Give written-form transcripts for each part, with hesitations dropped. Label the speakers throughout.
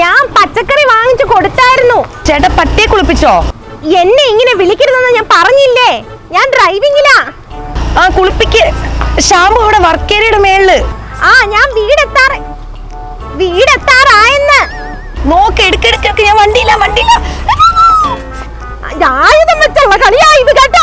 Speaker 1: ഞാൻ പച്ചക്കറി വാങ്ങിച്ചു കൊടുത്തായിരുന്നു.
Speaker 2: ചേട്ടാ പട്ടിയെ കുളിപ്പിച്ചോ?
Speaker 1: എന്നെ ഇങ്ങനെ വിളിക്കരുതെന്ന് ഞാൻ പറഞ്ഞില്ലേ, ഞാൻ ഡ്രൈവിംഗിലാ.
Speaker 2: ആ കുളിപ്പിക്ക്. ഷാമ്പു ഇവിടെ വർക്കേരിയുടെ മേളില്.
Speaker 1: ആ ഞാൻ വീടെത്താറായെന്ന്.
Speaker 2: നോക്ക് എടുക്കെടുക്കൊക്കെ. ഞാൻ വണ്ടിയില്ല.
Speaker 1: ആയുധം വെച്ചുള്ള കളിയായത് കേട്ടോ.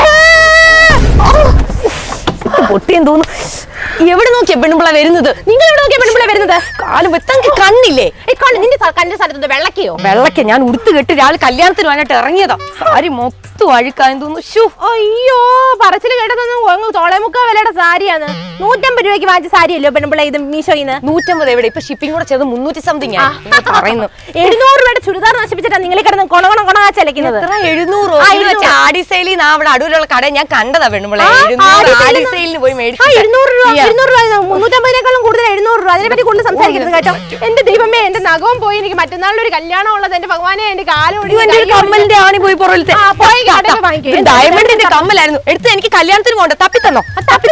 Speaker 2: പൊട്ടിയെന്ന് തോന്നുന്നു. എവിടെ നോക്കിയാ പെണ്ണുമ്പിള വരുന്നത്?
Speaker 1: നിങ്ങൾ എവിടെ നോക്കിയാ പെണ്ണുമ്പിള വരുന്നത്?
Speaker 2: കാലം വെത്തങ്കി കണ്ണില്ലേ?
Speaker 1: നിന്റെ കണ്ട സ്ഥലത്ത് വെള്ളക്കയോ?
Speaker 2: വെള്ളക്ക ഞാൻ ഉടുത്ത് കെട്ടി രാവിലെ കല്യാണത്തിന് വേണ്ടിട്ട് ഇറങ്ങിയതാ. സാരി മൊത്തം അഴുക്കായെന്ന് തോന്നുന്നു.
Speaker 1: അയ്യോ പറച്ചില് കേട്ടതൊന്നും തോളേമുക്കാ വിലയുടെ സാരിയാണ്. 150 രൂപയ്ക്ക് വാങ്ങിച്ച സാരിയല്ലോ പെണ്ണുമ്പിള ഇത് മീഷോയിന്ന്.
Speaker 2: 150 എവിടെ? ഇപ്പൊ ഷിപ്പിംഗ് കൂടെ ചെയ്ത് 300 സംതിങ് പറയുന്നു.
Speaker 1: 700 രൂപയുടെ ചുരിദാർ നശിപ്പിച്ചിട്ടാ നിങ്ങൾ കിടന്ന് കൊണകൊണകൊണാച്ചലക്കുന്നത്.
Speaker 2: 700 ആഡിസൈലിൽ അവിടെ അടൂരുള്ള കട ഞാൻ കണ്ടതാ പെണ്ണുമ്പിള. 700 ആഡിസൈലിന് പോയി മേടിച്ചു.
Speaker 1: 200 രൂപ 350 കൂടുതൽ 700 രൂപ. അതിനെപ്പറ്റി കൂടുതൽ സംസാരിക്കരുത് കേട്ടോ. എന്റെ ദൈവമേ, എന്റെ നഖവും പോയി. എനിക്ക് മറ്റന്നാളിലൊരു കല്യാണം ഉള്ളത്. എന്റെ ഭഗവാനെ, എന്റെ
Speaker 2: കമ്മലിന്റെ ആണി പോയി പുറകിലത്തെ ഡയമണ്ടിന്റെ കമ്മലായിരുന്നു എടുത്ത്. എനിക്ക് കല്യാണത്തിന് പോകണ്ട. തപ്പിത്തന്നോ?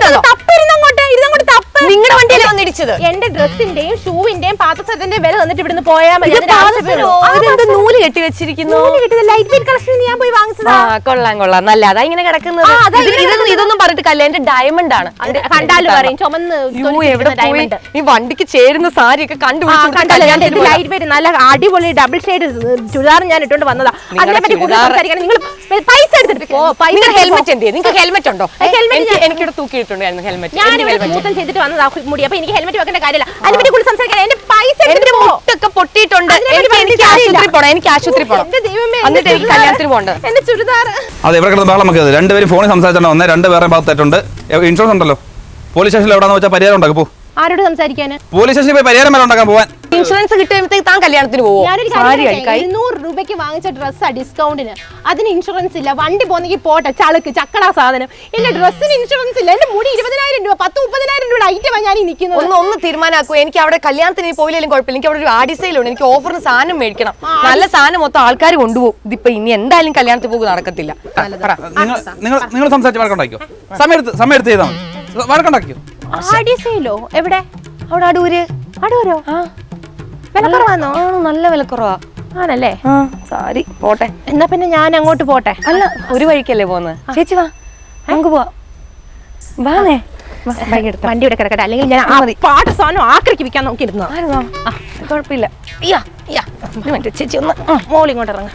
Speaker 2: നിങ്ങളുടെ വണ്ടിയിലെ വന്നിടിച്ചത്.
Speaker 1: എന്റെ ഡ്രസ്സിന്റെയും ഷൂവിന്റെയും പാത്രത്തിന്റെയും വില തന്നിട്ട് ഇവിടുന്ന് പോയാൽ മതി.
Speaker 2: നൂല് കെട്ടി വെച്ചിരിക്കുന്നു.
Speaker 1: ലൈറ്റ് വെയിറ്റ് കളക്ഷൻ ഞാൻ പോയി വാങ്ങിച്ചതാ.
Speaker 2: കൊള്ളാം നല്ല. അതാ ഇങ്ങനെ കിടക്കുന്നത്. ഇതൊന്നും പറഞ്ഞിട്ട് കല്യാണം. എന്റെ ഡയമണ്ട് ആണ്.
Speaker 1: കണ്ടാലും പറയും ചുമന്ന്.
Speaker 2: എവിടെ പോയി? ഈ വണ്ടിക്ക് ചേരുന്ന സാരി ഒക്കെ കണ്ടുപിടിച്ചു.
Speaker 1: ലൈറ്റ് വെയിറ്റ് നല്ല അടിപൊളി ഡബിൾ ഷെയ്ഡ് ചുരിദാർ ഞാൻ ഇട്ടുകൊണ്ട് വന്നതാ. അതിനെപ്പറ്റി കൂടുതൽ സംസാരിക്കണം. നിങ്ങൾ പൈസ എടുത്തിട്ട് പോ.
Speaker 2: ഹെൽമെറ്റ് എന്ത്? നിങ്ങൾക്ക് ഹെൽമെറ്റ് ഉണ്ടോ? എനിക്കിവിടെ തൂക്കിയിട്ടുണ്ടായിരുന്നു ഹെൽമെറ്റ്.
Speaker 1: ഞാൻ ചെയ്തിട്ട് വന്നതാ മുടി. അപ്പൊ എനിക്ക് ഹെൽമെറ്റ് വെക്കേണ്ട കാര്യമില്ല. അതിനെപ്പറ്റി കൂടുതൽ സംസാരിക്കാൻ. എന്റെ പൈസ
Speaker 2: ഒക്കെ പൊട്ടിയിട്ടുണ്ട്. എനിക്ക് ആശുപത്രി പോണം. എന്നിട്ട് എനിക്ക് കല്യാണത്തിന് പോകേണ്ടത്.
Speaker 1: എന്റെ ചുരിദാർ
Speaker 3: അതെ ഇവിടെ കിടന്ന് ബഹളം വെക്കരുത്. രണ്ടുപേരും ഫോണിൽ സംസാരിച്ചാണ് വന്നത്. രണ്ടുപേരെ ഭാഗത്തായിട്ടുണ്ട്. ഇൻഷുറൻസ് ഉണ്ടല്ലോ. പോലീസ് സ്റ്റേഷനിൽ എവിടെയാണെന്ന് വെച്ചാൽ പരിഹാരം ഉണ്ടാക്കും. പോ.
Speaker 1: ആരോട് സംസാരിക്കാൻ?
Speaker 3: പോലീസ് സ്റ്റേഷനിൽ പോയി പരിഹാരം വരെ ഉണ്ടാക്കാൻ പോവാൻ.
Speaker 2: ഇൻഷുറൻസ് കിട്ടുമ്പോഴത്തേക്ക് താൻ കല്യാണത്തിന് പോകും.
Speaker 1: 200 രൂപയ്ക്ക് വാങ്ങിച്ച ഡ്രസ്സാ ഡിസ്കൗണ്ടിന്. അതിന് ഇൻഷുറൻസ് ഇല്ല. വണ്ടി പോന്നെങ്കിൽ പോട്ടെ, ചളുക്ക് ചക്കടാ സാധനം. എന്റെ ഡ്രസ്സിന് ഇൻഷുറൻസ് ഇല്ല. എന്റെ മുടി 20,000 രൂപ 10-30,000 രൂപയുടെ ഐറ്റമാണ് ഞാൻ നിൽക്കുന്നത്.
Speaker 2: ഒന്ന് തീരുമാനാക്കൂ. എനിക്ക് അവിടെ കല്യാണത്തിന് പോയില്ലെങ്കിലും കുഴപ്പമില്ല. എനിക്ക് അവിടെ ഒരു ആഡിസൈലുണ്ട്. എനിക്ക് ഓഫറിന് സാധനം മേടിക്കണം. നല്ല സാധനം മൊത്തം ആൾക്കാർ കൊണ്ടുപോകും. ഇതിപ്പോ ഇനി എന്തായാലും കല്യാണത്തിന് പോകും നടക്കത്തില്ല.
Speaker 3: നിങ്ങൾ സംസാരിച്ച് വഴക്കുണ്ടാക്കിയോ? സമയം എടുത്ത് ചെയ്താൽ മതി. വഴക്കുണ്ടാക്കിയോ?
Speaker 1: ആഡിസൈലോ എവിടെ?
Speaker 2: അവിടെ അടൂരോ?
Speaker 1: വിലക്കുറവാണോ?
Speaker 2: നല്ല വിലക്കുറവാ.
Speaker 1: ആണല്ലേ?
Speaker 2: സാരി പോട്ടെ.
Speaker 1: എന്നാ പിന്നെ ഞാൻ അങ്ങോട്ട് പോട്ടെ.
Speaker 2: അല്ല, ഒരു വഴിക്കല്ലേ പോകുന്നത്. ചേച്ചി വാ, നമുക്ക് പോവാ. വാന്നേ.
Speaker 1: വണ്ടി ഇവിടെ കിടക്കട്ടെ. അല്ലെങ്കിൽ ഞാൻ പാട്ട് സാധനം ആക്രിക്ക് വിൽക്കാൻ നോക്കിയിരുന്നു.
Speaker 2: കുഴപ്പമില്ല. ചേച്ചി ഒന്ന്
Speaker 1: മോളിങ്ങോട്ട് ഇറങ്ങ.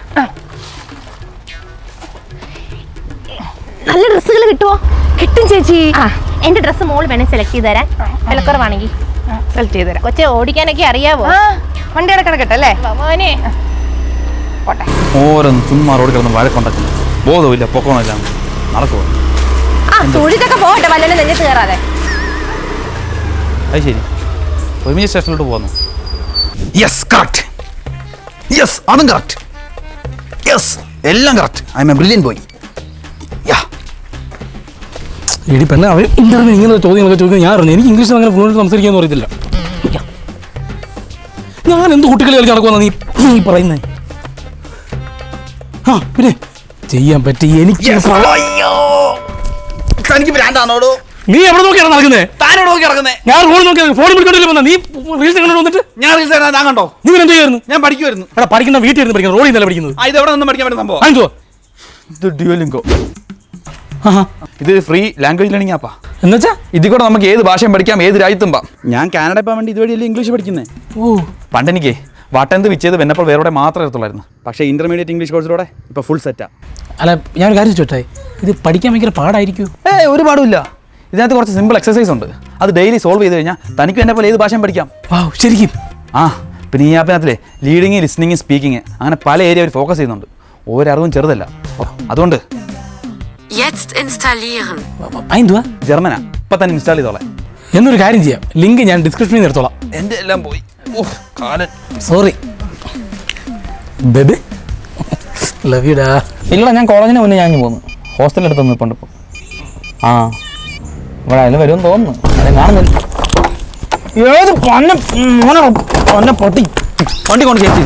Speaker 1: നല്ല ഡ്രസ്സുകൾ കിട്ടുമോ?
Speaker 2: കിട്ടും ചേച്ചി.
Speaker 1: എന്റെ ഡ്രസ്സ് മോള് വേണേ സെലക്ട് ചെയ്ത് തരാൻ. വിലക്കുറവാണെങ്കിൽ
Speaker 2: സെലക്ട് ചെയ്ത് തരാം.
Speaker 1: കൊച്ചെ ഓടിക്കാനൊക്കെ അറിയാവോ?
Speaker 2: വണ്ടി അവിടെ കിടക്കട്ടെ അല്ലേ?
Speaker 1: പോട്ടെ.
Speaker 3: ഓരോന്ന് ചുമ്മാ റോഡ് കിടന്ന് വഴക്കുണ്ടാക്കുന്നു. ബോധമില്ല, പൊക്കമില്ല, നടക്കുമോ?
Speaker 1: തൊഴിലൊക്കെ പോകട്ടെ, വല്ലതും നെഞ്ഞത്ത് കയറാതെ.
Speaker 3: അത് ശരി. ഒരുമിച്ച് സ്റ്റേഷനിലോട്ട് പോകുന്നു. Yes, correct. യെസ്, അതും കറക്റ്റ്. യെസ്, എല്ലാം correct. I am a brilliant boy.
Speaker 4: എടി പെണ്ണ, അവർ ഇന്റർവ്യൂ ഇങ്ങനെ ചോദ്യങ്ങളൊക്കെ ചോദിക്കുന്നത് ഞാൻ അറിഞ്ഞു. എനിക്ക് ഇംഗ്ലീഷിൽ അങ്ങനെ ഫ്ലുവൻ്റ് സംസാരിക്കാന്ന് അറിയത്തില്ല. ഞാൻ എന്ത് കുട്ടികളി കളിച്ച് നടക്കുമെന്നാ നീ പറയുന്നേ? ആ പിന്നെ ചെയ്യാൻ പറ്റി. എനിക്ക് നീ എവിടെ നോക്കിയാണ് നടക്കുന്നേ? ഞാൻ റോഡ് നോക്കി ഫോണിൽ വിളിച്ചോണ്ടില്ല വന്ന നീ റീൽസ് കണ്ടു വന്നിട്ട്.
Speaker 3: ഞാൻ റീൽസ് കണ്ടോ?
Speaker 4: നിങ്ങൾ എന്ത് ചെയ്യായിരുന്നു?
Speaker 3: ഞാൻ പഠിക്കുമായിരുന്നു.
Speaker 4: എടാ പഠിക്കുന്ന വീട്ടിൽ ഇരുന്ന് പഠിക്കുന്നത്, റോഡിൽ നിന്നല്ല പഠിക്കുന്നത്.
Speaker 3: ഇത് എവിടെ നിന്ന് പഠിക്കാൻ പറ്റുന്ന സംഭവം?
Speaker 4: അഞ്ചോ
Speaker 3: ഇത് ഡ്യുവലിംഗോ. ഇത് ഫ്രീ ലാംഗ്വേജ് ലേണിംഗ് ആപ്പാ.
Speaker 4: എന്നുവെച്ചാ
Speaker 3: ഇതിൽ കൂടെ നമുക്ക് ഏത് ഭാഷയും പഠിക്കാം, ഏത് രാജ്യത്തും പോകാം. ഞാൻ കാനഡ പോകാൻ വേണ്ടി ഇതുവഴിയല്ലേ ഇംഗ്ലീഷ് പഠിക്കുന്നത്. പണ്ട് എനിക്ക് വാട്ടെന്ത് വിച്ചത് വെന്നപ്പോൾ വേറെ മാത്രമേ എടുത്തുള്ളായിരുന്നു. പക്ഷേ ഇന്റർമീഡിയറ്റ് ഇംഗ്ലീഷ് കോഴ്സിലൂടെ ഇപ്പോൾ ഫുൾ സെറ്റാ.
Speaker 4: അല്ല, ഞാനൊരു കാര്യം ചോട്ടെ, ഇത് പഠിക്കാൻ ഭയങ്കര പാടായിരിക്കും?
Speaker 3: ഒരു പാടുമില്ല. ഇതിനകത്ത് കുറച്ച് സിമ്പിൾ എക്സസൈസ് ഉണ്ട്. അത് ഡെയിലി സോൾവ് ചെയ്ത് കഴിഞ്ഞാൽ തനിക്ക് എന്നെ പോലെ ഏത് ഭാഷയും പഠിക്കാം.
Speaker 4: ശരിക്കും?
Speaker 3: പിന്നെ ഈ ആപ്പിനകത്തിലെ ലീഡിങ്, ലിസ്ണിങ്, സ്പീക്കിങ് അങ്ങനെ പല ഏരിയ അവർ ഫോക്കസ് ചെയ്യുന്നുണ്ട്. ഒരറിവും ചെറുതല്ല. അതുകൊണ്ട് ജർമ്മനാ ഇപ്പൊ തന്നെ ഇൻസ്റ്റാൾ ചെയ്തോളാം.
Speaker 4: എന്നൊരു കാര്യം ചെയ്യാം, ലിങ്ക് ഞാൻ ഡിസ്ക്രിപ്ഷനിൽ നിന്ന് എടുത്തോളാം.
Speaker 3: എന്റെ എല്ലാം പോയി.
Speaker 4: സോറി ബേബി, ലവ് യു ഡാ.
Speaker 3: ഇല്ല, ഞാൻ കോളേജിന് മുന്നേ ഞാൻ പോന്നു. ഹോസ്റ്റലിൽ അടുത്തൊന്നും ഇപ്പം ഇപ്പോൾ ഇവിടെ അതിന് വരുമെന്ന് തോന്നുന്നു. അതിനെ കാണുന്നില്ല.
Speaker 4: ഏത് പൊന്നെ പൊട്ടി
Speaker 3: വണ്ടി കൊണ്ട് ചേച്ചി.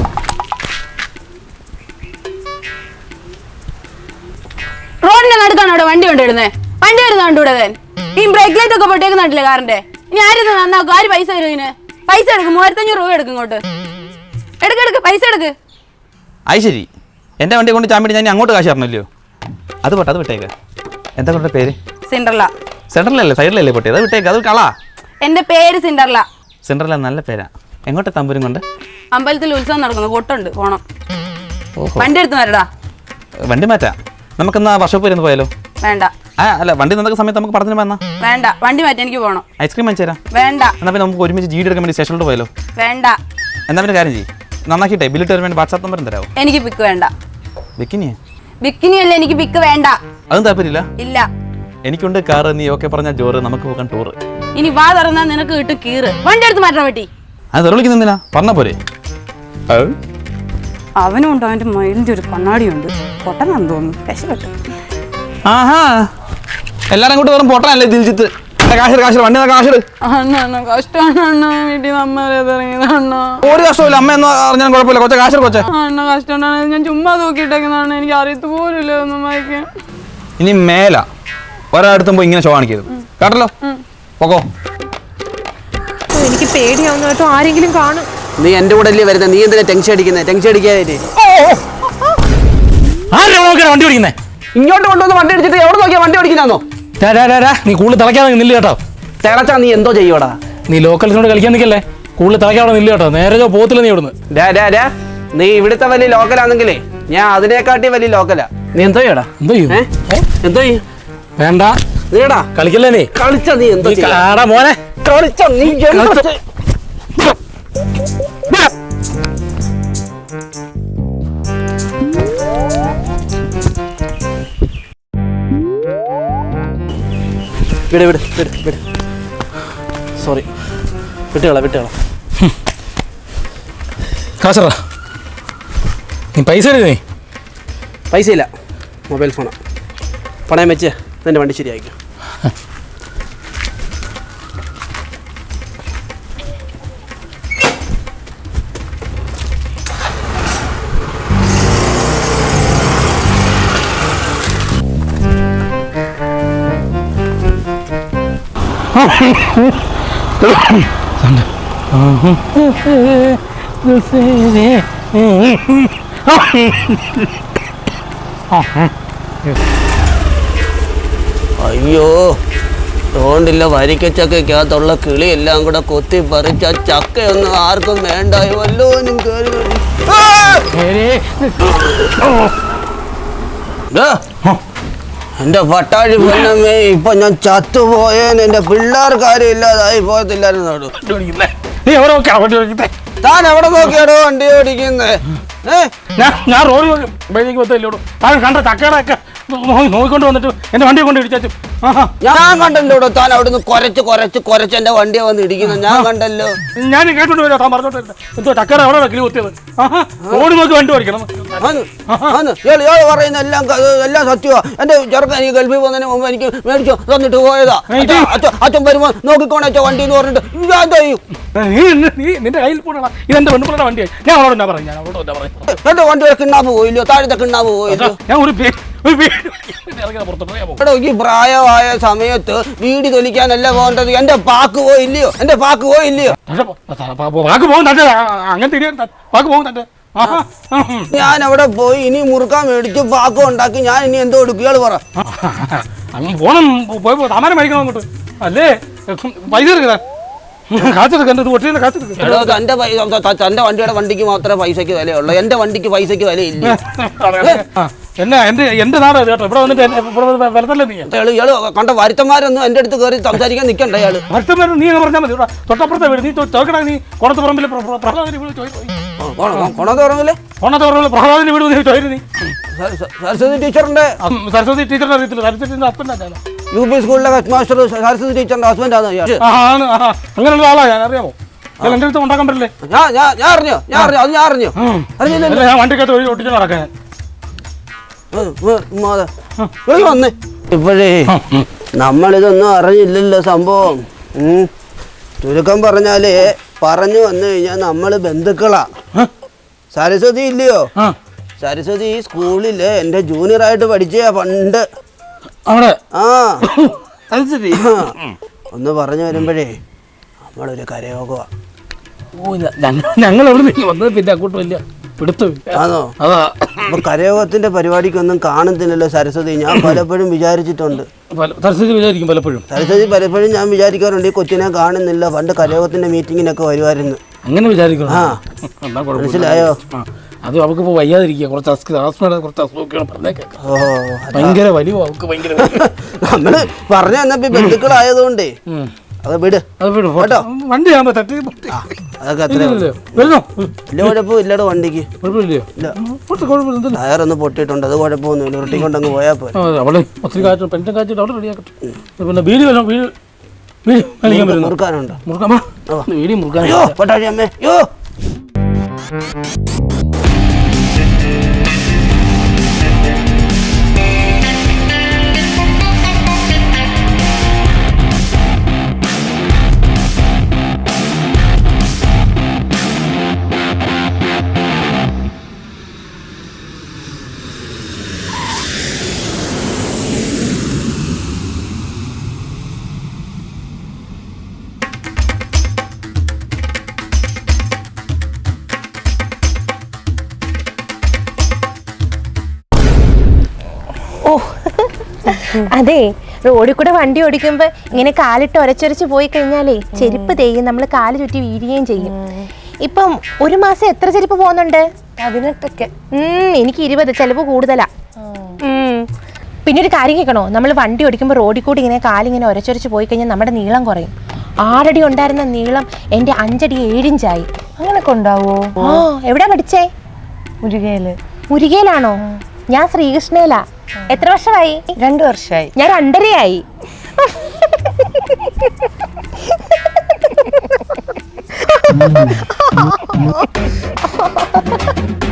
Speaker 5: റോഡിന്റെ നടുക്കാണ് അവിടെ വണ്ടി കൊണ്ടിടുന്നേ. വണ്ടി വരുന്ന കണ്ടുകൂടെ? ഈ ബ്രേക്ക് ലൈറ്റ് ഒക്കെ പൊട്ടിയേക്കുന്നില്ലേ കാറിന്റെ? ഇനി ആരും നന്നാക്കും? ആര് പൈസ തരും ഇതിന്? പൈസ എടുക്കും, 3500 രൂപ എടുക്കും ഇങ്ങോട്ട്. എടുക്ക് പൈസ എടുക്ക്.
Speaker 3: അത് ശരി, എൻ്റെ വണ്ടി കൊണ്ട് ചാമ്പിട്ട് ഞാൻ അങ്ങോട്ട് കാശ് തരണമല്ലോ. അത് പോട്ടെ, അത് വിട്ടേക്ക്. എന്താ കൊണ്ട പേര്?
Speaker 5: സിൻഡർല.
Speaker 3: സെൻട്രലല്ലേ, സൈഡിലല്ലേ പൊട്ടി? അത് വിട്ടേക്ക്, അത് കളാ.
Speaker 5: എന്റെ പേര് സിൻഡർല.
Speaker 3: സെൻട്രല നല്ല പേരാ. എങ്ങോട്ടാ തമ്പൂരും കൊണ്ട്?
Speaker 5: അമ്പലത്തിൽ ഉത്സവം നടക്കുന്നു, കൊട്ടുണ്ട്, പോണം. വണ്ടി എടുത്ത് വരടാ.
Speaker 3: വണ്ടി മാറ്റാം, നമുക്കെന്നാ വർഷോപ്പ് വരുന്ന പോയാലോ?
Speaker 5: വേണ്ട.
Speaker 3: അല്ല, വണ്ടി നിന്നൊക്കെ സമയത്ത് നമുക്ക് പടത്തിന് വന്നാ.
Speaker 5: വേണ്ട, വണ്ടി മാറ്റി, എനിക്ക് പോകണം.
Speaker 3: ഐസ്ക്രീം വാങ്ങിച്ചു തരാം.
Speaker 5: വേണ്ട.
Speaker 3: എന്നാൽ പിന്നെ നമുക്ക് ഒരുമിച്ച് ജീഡി എടുക്കാൻ വേണ്ടി സ്റ്റേഷനിലോട്ട് പോയാലോ?
Speaker 5: വേണ്ട.
Speaker 3: എന്നാൽ പിന്നെ കാര്യം ചെയ്യും, നന്നാക്കിയിട്ടേ ബില്ലിട്ട് വരാൻ വേണ്ടി വാട്സാപ്പ് നമ്പർ തരാമോ?
Speaker 5: എനിക്ക് പിക്ക് വേണ്ട.
Speaker 3: ബിക്കിനിയെ?
Speaker 5: ബിക്കിനി അല്ല, എനിക്ക് പിക്ക് വേണ്ട.
Speaker 3: അതും താല്പര്യമില്ല?
Speaker 5: ഇല്ല.
Speaker 3: എനിക്കുണ്ട് കാറ്, നീ ഓക്കെ പറഞ്ഞ ജോറ്, നമുക്ക് പോകാൻ ടൂറ്.
Speaker 5: ഇനി വാ തുറന്നാ നിനക്ക് കിട്ടും കീറ്. വണ്ടി എടുത്ത് മാറ്റാൻ പറ്റി.
Speaker 3: അത് തെളിവിക്കുന്നില്ല, പറഞ്ഞ പോരെ.
Speaker 5: അവനുണ്ട്, അവന്റെ മൈലിന്റെ ഒരു കണ്ണാടിയുണ്ട്. പൊട്ടനാന്ന് തോന്നുന്നു, കശപ്പെട്ടു.
Speaker 3: ആഹാ, എല്ലാരും കൂട്ട് വെറും പൊട്ടനല്ലേ ദിൽജിത്ത്. കാശ് വണ്ടി കാശെടു.
Speaker 5: കഷ്ടമാണ് വീട്ടിൽ നമ്മളിറങ്ങിയതാണ്.
Speaker 3: ഒരു കഷ്ടമില്ല, അമ്മ എന്ന് പറഞ്ഞാൽ കുഴപ്പമില്ല. കൊച്ച കാശ് കൊച്ചെ
Speaker 5: കഷ്ടമാണ്. ഞാൻ ചുമ്മാ തൂക്കിയിട്ടേക്കുന്നതാണ്, എനിക്ക് അറിയത്ത് പോലില്ല ഒന്നും വായിക്കാൻ.
Speaker 3: ഇനി മേല ഒരാടുത്തും പോയി ഇങ്ങനെ ഷോ കാണിക്കരുത് കേട്ടല്ലോ. പോകോ.
Speaker 1: എനിക്ക് പേടിയാവുന്ന കേട്ടോ, ആരെങ്കിലും കാണും.
Speaker 6: നീ എന്റെ കൂടെ അല്ലേ വരുന്നത്, നീ എന്തിനാ ടെൻഷൻ അടിക്കുന്നത്? ടെൻഷൻ അടിക്കാതെ
Speaker 4: വണ്ടി ഓടിക്കുന്നേ.
Speaker 6: ഇങ്ങോട്ട് കൊണ്ടുവന്ന് വണ്ടി അടിച്ചിട്ട് എവിടെ നോക്കിയാ വണ്ടി ഓടിക്കുന്നോ?
Speaker 4: നീ കൂടുതൽ തിളയ്ക്കാതെ നില്ല് കേട്ടോ.
Speaker 6: തിളച്ചാ നീ എന്തോ ചെയ്യോടാ?
Speaker 4: നീ ലോക്കൽസിനോട് കളിക്കാൻ നിൽക്കല്ലേ, കൂടുതൽ തിളയ്ക്കാതെ നില്ല് കേട്ടോ. നേരെ പോത്തില്ല നീ ഇവിടുന്ന്.
Speaker 6: നീ ഇവിടുത്തെ വലിയ ലോക്കലാണെങ്കിലേ ഞാൻ അതിനെക്കാട്ടി വലിയ ലോക്കലാ. നീ എന്തോ ചെയ്യടാ?
Speaker 4: എന്തോ ചെയ്യും?
Speaker 6: എന്തോ ചെയ്യും?
Speaker 4: വേണ്ട,
Speaker 6: നീടാ
Speaker 4: കളിക്കല്ലേ. നീ
Speaker 6: കളിച്ച നീ എന്തോ
Speaker 4: മോനെ,
Speaker 6: കളിച്ച നീ വിട്. സോറി, വിട്ടുകളാ.
Speaker 4: കാശറാ, നീ പൈസ എടുത്തേ.
Speaker 6: പൈസ ഇല്ല, മൊബൈൽ ഫോണാ. പണയം വെച്ച് നിന്റെ വണ്ടി ശരിയായിരിക്കും. അയ്യോ, തോണ്ടില്ല വരിക്കച്ചക്കകത്തുള്ള കിളി എല്ലാം കൂടെ കൊത്തി പറിച്ച ചക്കയൊന്നും ആർക്കും വേണ്ടായി വല്ലോനും എന്റെ പട്ടാഴി പൊന്നമ്മേ, ഇപ്പൊ ഞാൻ ചത്തുപോയേൻ. എന്റെ പിള്ളേർക്കാരും ഇല്ലാതായി പോകത്തില്ലായിരുന്നു. താൻ എവിടെ നോക്കിയാടോ വണ്ടി ഓടിക്കുന്നേ?
Speaker 4: ഞാൻ റോഡ് കണ്ട ചക്കടൊക്കെ നോക്കിക്കൊണ്ട് വന്നിട്ട് എന്റെ വണ്ടിയെ കൊണ്ട് ഇടിച്ചു.
Speaker 6: ഞാൻ കണ്ടല്ലോ താൻ അവിടുന്ന് കൊരച്ച് എന്റെ വണ്ടിയെ വന്ന് ഇടിക്കുന്നത് ഞാൻ കണ്ടല്ലോ.
Speaker 4: ഞാൻ കേട്ടോണ്ട് വരാം, താൻ പറഞ്ഞോട്ട് എന്തോ ചക്കട എവിടെ കിളി കുത്തിയത്. റോഡ് നോക്കി വണ്ടി ഓടിക്കണം.
Speaker 6: പറയുന്ന എല്ലാം സത്യമാ. എന്റെ ചെറുക്കൻ എനിക്ക് ഗൾഫിൽ പോകുന്നതിന് മുമ്പ് എനിക്ക് മേടിച്ചു തന്നിട്ട് പോയതാ. അച്ഛൻ വരുമ്പോ നോക്കിക്കോണച്ച വണ്ടി എന്ന് പറഞ്ഞിട്ട് ഞാൻ ചെയ്യും.
Speaker 4: നിന്റെ കയ്യിൽ പോകണം, ഇതെന്റെ പെണ്ണുപിള്ളയുടെ വണ്ടിയായി. ഞാൻ അവളോട് എന്നാ പറഞ്ഞു,
Speaker 6: എന്റെ വണ്ടി കിണ്ണാപ്പ് പോയില്ലോ, താഴത്തെ കിണ്ണാപ്പ് പോയില്ലോ.
Speaker 4: ഞാൻ ഒരു
Speaker 6: ഈ പ്രായമായ സമയത്ത് വീടി തൊലിക്കാനല്ല പോകേണ്ടത്. എന്റെ പാക്ക് പോയില്ലയോ?
Speaker 4: വാക്ക് പോകും തന്റെ, അങ്ങനത്തെ വാക്ക് പോകും തന്റെ.
Speaker 6: ഞാൻ അവിടെ പോയി ഇനി മുറുക്കാൻ മേടിച്ച് പാക്ക് ഉണ്ടാക്കി ഞാൻ ഇനി എന്തോ എടുക്കുകയാണ് പറ.
Speaker 4: അങ്ങ് പോണം, പോയപ്പോ സാമാനം മേടിക്കണം അങ്ങോട്ട്. അല്ലേ പൈസ എടുക്കുക,
Speaker 6: തന്റെ വണ്ടിയുടെ വണ്ടിക്ക് മാത്രമേ പൈസക്ക് വിലയുള്ളൂ, എന്റെ വണ്ടിക്ക് പൈസക്ക് വിലയില്ല.
Speaker 4: എന്റെ നാട് കേട്ടോ, ഇവിടെ വന്നിട്ട് വരത്തല്ലേ നീ.
Speaker 6: കണ്ട വരുത്തന്മാരൊന്നും എന്റെ അടുത്ത് കയറി സംസാരിക്കാൻ നിൽക്കണ്ട. അയാള്
Speaker 4: വരുത്തന്മാർ നീ എന്ന് പറഞ്ഞാൽ മതി. തൊട്ടപ്പുറത്തെ വീട് നീ ചോദിക്കണ, നീ കൊണത്തുപറമ്പിലെ പ്രഹ്ലാദിന്റെ വീട് പ്രഹ്ലാദിന്റെ വീട് ചോദിച്ചു. നീ
Speaker 6: സരസ്വതി ടീച്ചറിന്റെ
Speaker 4: അറിയത്തില്ല, സരസ്വതിന്റെ ഹസ്ബൻഡാണ്.
Speaker 6: UP സ്കൂളിലെ ഹെഡ് മാസ്റ്റർ സരസ്വതി ടീച്ചറിന്റെ ഹസ്ബൻഡാണ്.
Speaker 4: അങ്ങനെയുള്ള ആളാ, ഞാൻ അറിയാമോ? എന്റെ അടുത്ത് ഉണ്ടാക്കാൻ പറ്റില്ലേ?
Speaker 6: ഞാൻ അറിഞ്ഞു.
Speaker 4: ഞാൻ വണ്ടിക്കകത്ത് വഴി ഒട്ടിച്ച് നടക്കാൻ.
Speaker 6: വന്നേ ഇപ്പോഴേ നമ്മളിതൊന്നും അറിഞ്ഞില്ലല്ലോ സംഭവം. ചുരുക്കം പറഞ്ഞാല് പറഞ്ഞു വന്നു കഴിഞ്ഞാൽ നമ്മള് ബന്ധുക്കളാ. സരസ്വതി ഇല്ലയോ? സരസ്വതി ഈ സ്കൂളില് എന്റെ ജൂനിയറായിട്ട് പഠിച്ച പണ്ട്. ഒന്ന് പറഞ്ഞു വരുമ്പോഴേ നമ്മളൊരു കരയോഗമാ.
Speaker 4: ഓ ഞങ്ങൾ അവിടെ നിന്ന് വന്നത് പിന്നെ അങ്ങോട്ട് വലിയ പിടുത്തമില്ല.
Speaker 6: ആണോ?
Speaker 4: അതാ
Speaker 6: അപ്പൊ കരയോഗത്തിന്റെ പരിപാടിക്കൊന്നും കാണുന്നില്ലല്ലോ സരസ്വതി. ഞാൻ പലപ്പോഴും വിചാരിച്ചിട്ടുണ്ട്.
Speaker 4: സരസ്വതി വിചാരിക്കും പലപ്പോഴും.
Speaker 6: സരസ്വതി പലപ്പോഴും ഞാൻ വിചാരിക്കാറുണ്ട് ഈ കൊച്ചിനെ കാണുന്നില്ല, പണ്ട് കരയോഗത്തിന്റെ മീറ്റിങ്ങിനൊക്കെ വരുമായിരുന്നു.
Speaker 4: അങ്ങനെ വിചാരിക്കണം.
Speaker 6: ആ.
Speaker 4: എന്നാ കുഴപ്പമില്ല.
Speaker 6: മനസ്സിലായോ?
Speaker 4: അത് അവൾക്ക് വയ്യാതിരിക്കുക, കുറച്ച് കുറച്ച് അസുഖമൊക്കെയാണ് പറഞ്ഞേക്കാം.
Speaker 6: ഓ,
Speaker 4: ഭയങ്കര വലിയ അവൾക്ക് ഭയങ്കര
Speaker 6: നമ്മള് പറഞ്ഞു തന്നപ്പോ ബന്ധുക്കളായതുകൊണ്ടേ അത് വിട്.
Speaker 4: അത് വിടും
Speaker 6: കേട്ടോ.
Speaker 4: വണ്ടി ആകുമ്പോ തട്ടി
Speaker 6: അതൊക്കെ അത്ര
Speaker 4: വരുന്നോ
Speaker 6: വലിയ കുഴപ്പം ഇല്ലടോ വണ്ടിക്ക്.
Speaker 4: കുഴപ്പമില്ലയോ? കുഴപ്പമില്ല.
Speaker 6: ടയറൊന്ന് പൊട്ടിയിട്ടുണ്ട്, അത് കുഴപ്പമൊന്നുമില്ല. ഉരുട്ടിക്കൊണ്ടങ്ങ് പോയാൽ പോരെ.
Speaker 4: അവിടെ ഒത്തിരി കാറ്റ് പെൻഷൻ കാച്ചിട്ട് അവിടെ റെഡിയാക്കട്ടെ. പിന്നെ വീട് വല്ലോ വീട് വീട് കളിക്കാൻ വരുന്നു.
Speaker 6: മുറുക്കാനുണ്ടോ?
Speaker 4: മുറുക്കാമ വീട് മുറുക്കാൻ.
Speaker 6: അയ്യോ പൊട്ടാഴി അമ്മേ, അയ്യോ.
Speaker 1: അതെ, റോഡിൽ കൂടെ വണ്ടി ഓടിക്കുമ്പോ ഇങ്ങനെ കാലിട്ട് ഒരച്ചൊരച്ച് പോയി കഴിഞ്ഞാലേ ചെരുപ്പ് തേയും, നമ്മൾ കാല് ചുറ്റി വീഴുകയും ചെയ്യും. ഇപ്പം ഒരു മാസം എത്ര ചെരുപ്പ് പോകുന്നുണ്ട്?
Speaker 2: 18.
Speaker 1: എനിക്ക് 20, ചിലവ് കൂടുതലാ. പിന്നെ ഒരു കാര്യം കേൾക്കണോ, നമ്മൾ വണ്ടി ഓടിക്കുമ്പോൾ റോഡിൽ കൂടി ഇങ്ങനെ കാലിങ്ങനെ ഒരച്ചൊരച്ച് പോയി കഴിഞ്ഞാൽ നമ്മുടെ നീളം കുറയും. 6 അടി ഉണ്ടായിരുന്ന നീളം എൻ്റെ 5 അടി 7 ഇഞ്ചായി.
Speaker 2: അങ്ങനൊക്കെ ഉണ്ടാവോ?
Speaker 1: എവിടാ പഠിച്ചേ?
Speaker 2: മുരുകയില്.
Speaker 1: മുരുകയിലാണോ? ഞാൻ ശ്രീകൃഷ്ണയിലാ. എത്ര വർഷമായി?
Speaker 2: 2 വർഷമായി.
Speaker 1: ഞാൻ 2.5 ആയി.